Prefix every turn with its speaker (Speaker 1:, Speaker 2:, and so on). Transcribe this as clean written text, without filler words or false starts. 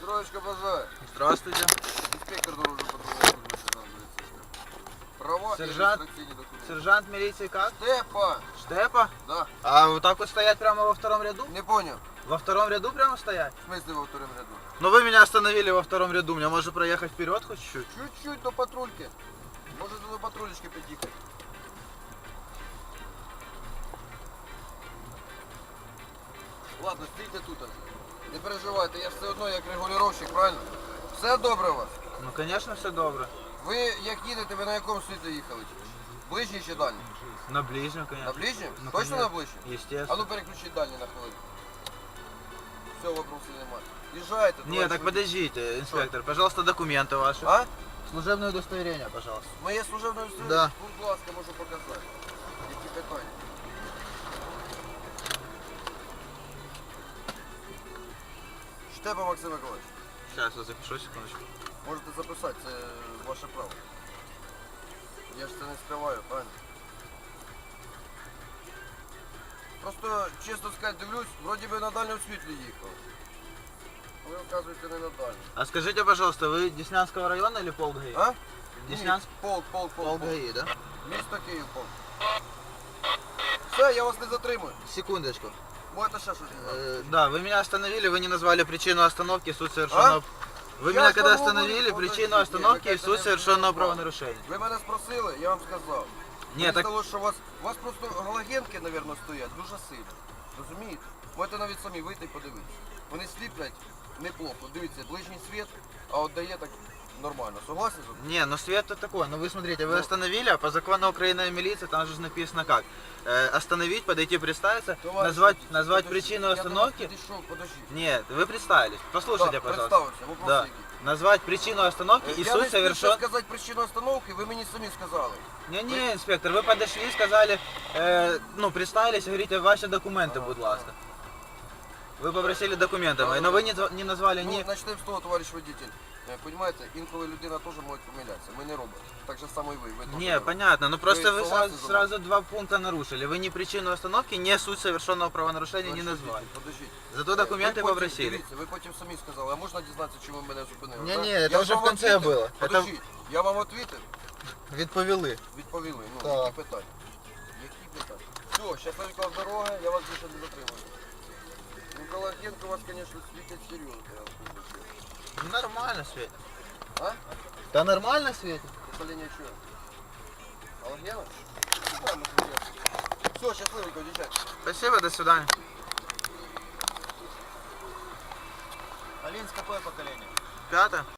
Speaker 1: Троечка бажаю.
Speaker 2: Здравствуйте.
Speaker 1: Инспектор дорожного патруля. Права и
Speaker 2: Сержант.
Speaker 1: регистрационные документы.
Speaker 2: Сержант милиции как?
Speaker 1: Степа!
Speaker 2: Штепа?
Speaker 1: Да.
Speaker 2: А вот так вот стоять прямо во втором ряду?
Speaker 1: Не понял.
Speaker 2: Во втором ряду прямо стоять?
Speaker 1: В смысле во втором ряду?
Speaker 2: Ну вы меня остановили во втором ряду, мне можно проехать вперед хоть чуть-чуть?
Speaker 1: Чуть-чуть до патрульки. Может до патрулечки подъехать. Ладно, стійте тут. Не переживайте, я ж все одно як регулювальщик, правильно? Все добре у вас?
Speaker 2: Ну конечно все добре.
Speaker 1: Ви як їдете, ви на якому світлі їхали? Ближній чи дальній?
Speaker 2: На ближнем, конечно.
Speaker 1: На ближнем?
Speaker 2: Ну,
Speaker 1: Точно
Speaker 2: конечно.
Speaker 1: на ближнем? А
Speaker 2: Естественно.
Speaker 1: ну переключіть дальній на хвилину. Все, вопросів немає. Їжджайте.
Speaker 2: Не,
Speaker 1: товариш
Speaker 2: так
Speaker 1: водій.
Speaker 2: подождите, инспектор, пожалуйста, документы ваши.
Speaker 1: А?
Speaker 2: Служебное удостоверение, пожалуйста.
Speaker 1: Моє служебне удостоверення?
Speaker 2: Да.
Speaker 1: Будь ласка, можу показати. Які питання? Штепа Максим Миколаївич.
Speaker 2: Сейчас я запишу, секундочку.
Speaker 1: Можете записати, це ваше право. Я ж це не скриваю, правильно? Просто, чесно сказати, дивлюсь, вроді би на дальньому світлі їхав. А ви, вказуєте, не на дальньому.
Speaker 2: А скажите, пожалуйста, вы Деснянского района или полк ГАИ?
Speaker 1: А?
Speaker 2: Деснянск?
Speaker 1: Полк.
Speaker 2: Полк ГАИ, да?
Speaker 1: Місто Київ, полк. Все, я вас не затримую.
Speaker 2: Секундочку.
Speaker 1: Можете ще щось сказати?
Speaker 2: Да, вы меня остановили, вы не назвали причину остановки, суть совершенного... Вы
Speaker 1: Я
Speaker 2: меня
Speaker 1: ж
Speaker 2: когда
Speaker 1: вам
Speaker 2: остановили,
Speaker 1: говорю,
Speaker 2: причину
Speaker 1: подождите,
Speaker 2: остановки
Speaker 1: вы
Speaker 2: и
Speaker 1: как-то
Speaker 2: суть
Speaker 1: не
Speaker 2: совершенного
Speaker 1: понимали.
Speaker 2: правонарушения.
Speaker 1: Ви мене спросили, я вам сказав.
Speaker 2: Ні,
Speaker 1: Мені
Speaker 2: так-
Speaker 1: здалося, що у вас просто галогенки, мабуть, стоять дуже сильно. Розумієте? Можете навіть самі вийти і подивитися. Вони сліплять неплохо. Дивіться, ближній світ, а от дає так нормально. Согласні? з вами?
Speaker 2: Не, ну свет-то такой. Ну вы смотрите, вы
Speaker 1: Ну.
Speaker 2: остановили, а по закону Украины милиция, там же написано как? Остановить, подойти, представиться,
Speaker 1: Товариш
Speaker 2: назвать,
Speaker 1: водій,
Speaker 2: назвать
Speaker 1: подожди,
Speaker 2: причину
Speaker 1: я до вас
Speaker 2: остановки.
Speaker 1: підійшов, подождіть.
Speaker 2: Нет, вы представились. Послушайте,
Speaker 1: Так,
Speaker 2: пожалуйста.
Speaker 1: представився, вопрос
Speaker 2: Да.
Speaker 1: який.
Speaker 2: Назвать причину остановки и
Speaker 1: Я
Speaker 2: суть
Speaker 1: не спішу
Speaker 2: совершен...
Speaker 1: сказати причину остановки, ви мені самі сказали.
Speaker 2: Не, инспектор, вы подошли, сказали, ну, представились, говорите, ваши документы, будь ласка. Вы попросили документы мои, но вы не назвали
Speaker 1: Ну,
Speaker 2: ни...
Speaker 1: почнемо з того, товариш водитель. Понимаете, інколи людина теж може помилятися. Ми не роботи. Так же само і ви. Ви теж не
Speaker 2: Не,
Speaker 1: робот.
Speaker 2: понятно, но просто вы
Speaker 1: согласны со мной?
Speaker 2: сразу два пункта нарушили. Вы ни причину остановки, ни суть совершенного правонарушения не
Speaker 1: Товариш
Speaker 2: назвали.
Speaker 1: водитель, подождіть.
Speaker 2: Зато документы
Speaker 1: Ви потім-
Speaker 2: попросили.
Speaker 1: Дивіться, ви потім самі сказали, а можна дізнатися, чому ви мене зупинили?
Speaker 2: Не-не,
Speaker 1: так?
Speaker 2: это
Speaker 1: Я
Speaker 2: уже
Speaker 1: вам
Speaker 2: в конце
Speaker 1: відповів?
Speaker 2: было. Это
Speaker 1: Подождіть, я вам відповів?
Speaker 2: відповіли.
Speaker 1: Відповіли. Ну,
Speaker 2: Так.
Speaker 1: які питання? Які питання? Все, щасливо дорога, я вас більше не затримую. Ну, Галогенко у вас, звісно, світять серйозно. Я вам скажу чесно.
Speaker 2: Ну, нормально светит.
Speaker 1: А?
Speaker 2: Да нормально светит.
Speaker 1: Покоління чого? Галогена? Все, щасливенько, дівчата.
Speaker 2: Спасибо, до свидания.
Speaker 1: Алинс, какое поколение?
Speaker 2: 5.